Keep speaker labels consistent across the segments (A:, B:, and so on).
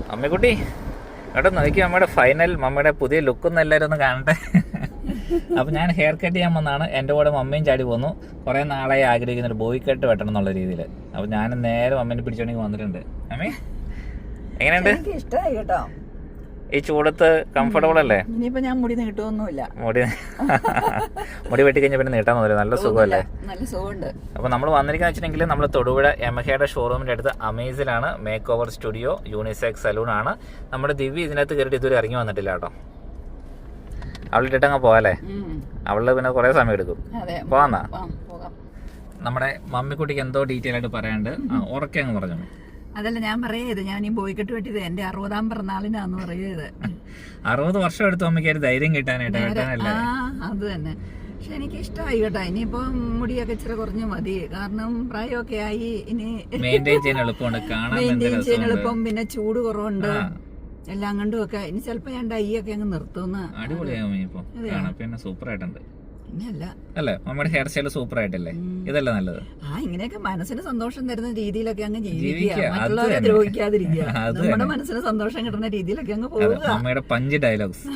A: അമ്മക്കുട്ടി കേട്ടോ, നോക്കി മമ്മയുടെ ഫൈനൽ, മമ്മയുടെ പുതിയ ലുക്കൊന്നും എല്ലാവരും ഒന്ന് കാണട്ടെ. അപ്പം ഞാൻ ഹെയർ കട്ട് ചെയ്യാൻ വന്നാണ്. എൻ്റെ കൂടെ മമ്മയും ചാടി പോന്നു. കുറേ നാളായി ആഗ്രഹിക്കുന്ന ഒരു ബോയ് കട്ട് വെട്ടണം എന്നുള്ള രീതിയിൽ. അപ്പം ഞാൻ നേരെ മമ്മേനെ പിടിച്ചോണ്ടെങ്കിൽ വന്നിട്ടുണ്ട്. അമ്മേ എങ്ങനെയുണ്ട്?
B: ഇഷ്ടമായി കേട്ടോ.
A: ഈ ചൂടത്ത് കംഫർട്ടബിൾ അല്ലേ?
B: ഇനിയിപ്പോ ഞാൻ മുടി നീട്ടൊന്നുമില്ല.
A: മുടി വെട്ടി കഴിഞ്ഞാൽ പിന്നെ നീട്ടാൻ തോന്നില്ല. നല്ല സുഖമല്ലേ?
B: നല്ല സുഖമുണ്ട്.
A: അപ്പോൾ നമ്മൾ വന്നിരിക്കുന്ന വെച്ചിട്ടുണ്ടെങ്കിൽ നമ്മൾ തൊടുപുഴ യമഹയുടെ ഷോറൂമിൻ്റെ അടുത്ത് അമേസിലാണ് make over studio unisex salon ആണ്. നമ്മുടെ ദിവ്യ ഇതിനകത്ത് കയറിയിട്ട് ഇതുവരെ ഇറങ്ങി വന്നിട്ടില്ല കേട്ടോ. അവളിട്ടിട്ട് അങ്ങ് പോകാല്ലേ? അവള് പിന്നെ കുറേ സമയം എടുക്കും. പോവാന്നാ? നമ്മുടെ മമ്മിക്കുട്ടിക്ക് എന്തോ ഡീറ്റെയിൽ ആയിട്ട് പറയാണ്ട് ഉറക്കെ അങ്ങ് പറഞ്ഞു.
B: അതല്ല ഞാൻ പറയത്, ഞാൻ ഈ ബോയ്ക്കെട്ട് വെട്ടിയത് എന്റെ 60ാം പിറന്നാളിനാന്ന് പറയത്.
A: 60 വർഷം എടുത്തു അമ്മയ്ക്ക് ഒരു ധൈര്യം കിട്ടാനായിട്ട്.
B: അത് തന്നെ. പക്ഷെ എനിക്ക് ഇഷ്ടമായി കേട്ടോ. ഇനിയിപ്പോ മുടിയൊക്കെ ഇച്ചിരി കുറഞ്ഞു മതി. കാരണം പ്രായമൊക്കെ ആയി. ഇനി
A: മെയിൻറ്റെയിൻ ചെയ്യാൻ എളുപ്പമുണ്ട്,
B: മെയിൻറ്റെയിൻ ചെയ്യാൻ എളുപ്പം. പിന്നെ ചൂട് കുറവുണ്ട് എല്ലാം കണ്ടും ഒക്കെ. ഇനി ചിലപ്പോ ഞാൻ ഡൈ ഒക്കെ അങ്ങ് നിർത്തുന്ന.
A: അടിപൊളിയാവും ഇപ്പൊ. പിന്നെ സൂപ്പർ ആയിട്ടുണ്ട്
B: പിന്നെയല്ല
A: അല്ലേ? നമ്മുടെ ഹെയർ സ്റ്റൈൽ സൂപ്പർ ആയിട്ടല്ലേ? ഇതല്ലേ നല്ലത്?
B: ഇങ്ങനെയൊക്കെ മനസ്സിന് സന്തോഷം തരുന്ന രീതിയിലൊക്കെ അങ്ങ് ജീവിക്കുക, മറ്റുള്ളവരെ ദ്രോഹിക്കാതിരിക്കുക, നമ്മുടെ മനസ്സിന് സന്തോഷം കിട്ടുന്ന രീതിയിലൊക്കെ അങ്ങ് പോവുക.
A: അമ്മയുടെ പഞ്ച് ഡയലോഗ്സ്.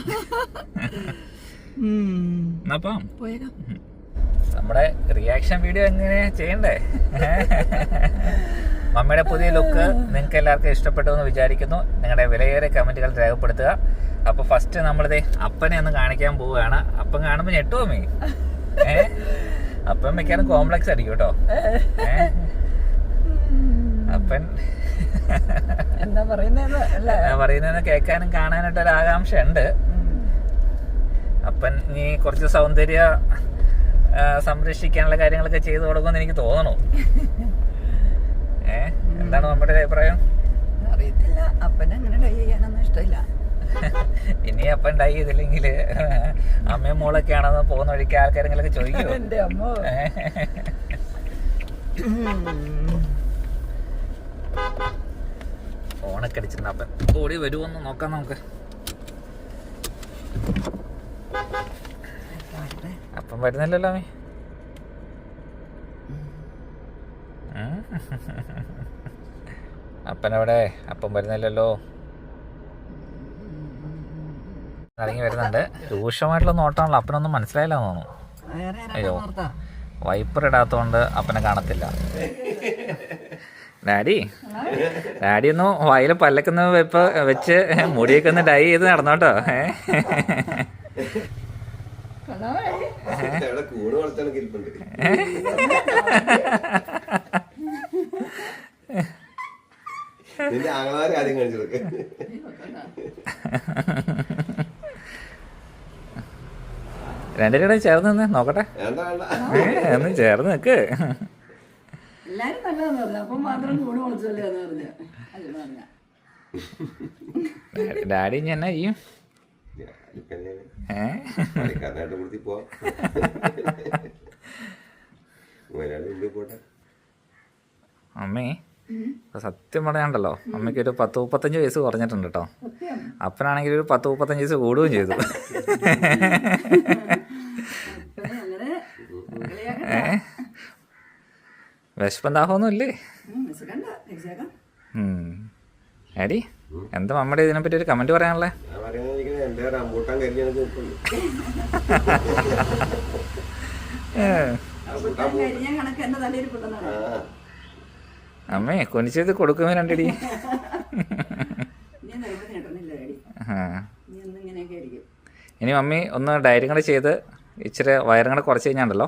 B: പോയേക്കാം. നമ്മുടെ
A: റിയാക്ഷൻ വീഡിയോ എങ്ങനെ ചെയ്യണ്ടേ? മമ്മിയുടെ പുതിയ ലുക്ക് നിങ്ങൾക്ക് എല്ലാവർക്കും ഇഷ്ടപ്പെട്ടു എന്ന് വിചാരിക്കുന്നു. നിങ്ങളുടെ വിലയേറിയ കമന്റുകൾ രേഖപ്പെടുത്തുക. അപ്പൊ ഫസ്റ്റ് നമ്മളിത് അപ്പനെ ഒന്ന് കാണിക്കാൻ പോവുകയാണ്. അപ്പം കാണുമ്പോ ഞെട്ടുവോ മീ? അപ്പം മിക്കാനും കോംപ്ലക്സ് അടിക്കും കേട്ടോ. അപ്പൻ
B: എന്താ
A: പറയുന്നതെന്ന് കേൾക്കാനും കാണാനായിട്ട് ഒരു ആകാംക്ഷ ഉണ്ട്. അപ്പൻ നീ കുറച്ച് സൗന്ദര്യ സംരക്ഷിക്കാനുള്ള കാര്യങ്ങളൊക്കെ ചെയ്തു കൊടുക്കുമെന്ന് എനിക്ക് തോന്നണു. എന്താണ് നമ്മുടെ അഭിപ്രായം?
B: അറിയത്തില്ല. അപ്പനെ അങ്ങനെ ഡൈ ചെയ്യാനൊന്നും ഇഷ്ടമില്ല.
A: ഇനി അപ്പൻ ഡൈ ചെയ്തില്ലെങ്കിൽ അമ്മയും മോളൊക്കെ ആണെന്ന് പോകുന്ന വഴിക്ക് ആൾക്കാരെങ്കിലൊക്കെ ചോദിക്കും.
B: എന്റെ അമ്മ
A: ഫോണൊക്കെ അടിച്ചിട്ടുണ്ട്. അപ്പൻ ഓടി വരുമോന്ന് നോക്കാം നമുക്ക്. അപ്പം വരുന്നില്ലല്ലോ അമ്മേ. അപ്പനവിടെ? അപ്പം വരുന്നില്ലല്ലോ. ഇറങ്ങി വരുന്നുണ്ട്. രൂക്ഷമായിട്ടുള്ള നോട്ടാണല്ലോ. അപ്പനൊന്നും മനസ്സിലായില്ല തോന്നുന്നു. അയ്യോ, വൈപ്പർ ഇടാത്തോണ്ട് അപ്പനെ കാണത്തില്ല. ഡാഡി ഒന്ന് വായിൽ പല്ലക്കുന്ന വെച്ച് മുടിയൊക്കെ ഒന്ന് ഡൈ ചെയ്ത് നടന്നോട്ടോ. രണ്ടിനും ചേർന്ന് നിന്ന് നോക്കട്ടെ. ഒന്ന് ചേർന്ന് നിക്ക്. ഡാഡി ഇനി എന്നാ ചെയ്യും? അമ്മേ സത്യം പറയാണ്ടല്ലോ, അമ്മയ്ക്ക് ഒരു 10-35 വയസ്സ് കുറഞ്ഞിട്ടുണ്ട് കേട്ടോ. അപ്പനാണെങ്കിൽ ഒരു 10-35 വയസ്സ് കൂടുകയും ചെയ്തു. വിശപ്പന്താഹമൊന്നും ഇല്ലേ? ആടി എന്താ നമ്മുടെ ഇതിനെപ്പറ്റി ഒരു കമന്റ് പറയാനുള്ളേ? അമ്മേ കൊനിച്ചത് കൊടുക്കുമ്പോ രണ്ടടി. ഇനി മമ്മി ഒന്ന് ഡയറിയും കൂടെ ചെയ്ത് ഇച്ചിരി വയറും കൂടെ കുറച്ച് കഴിഞ്ഞാണ്ടല്ലോ.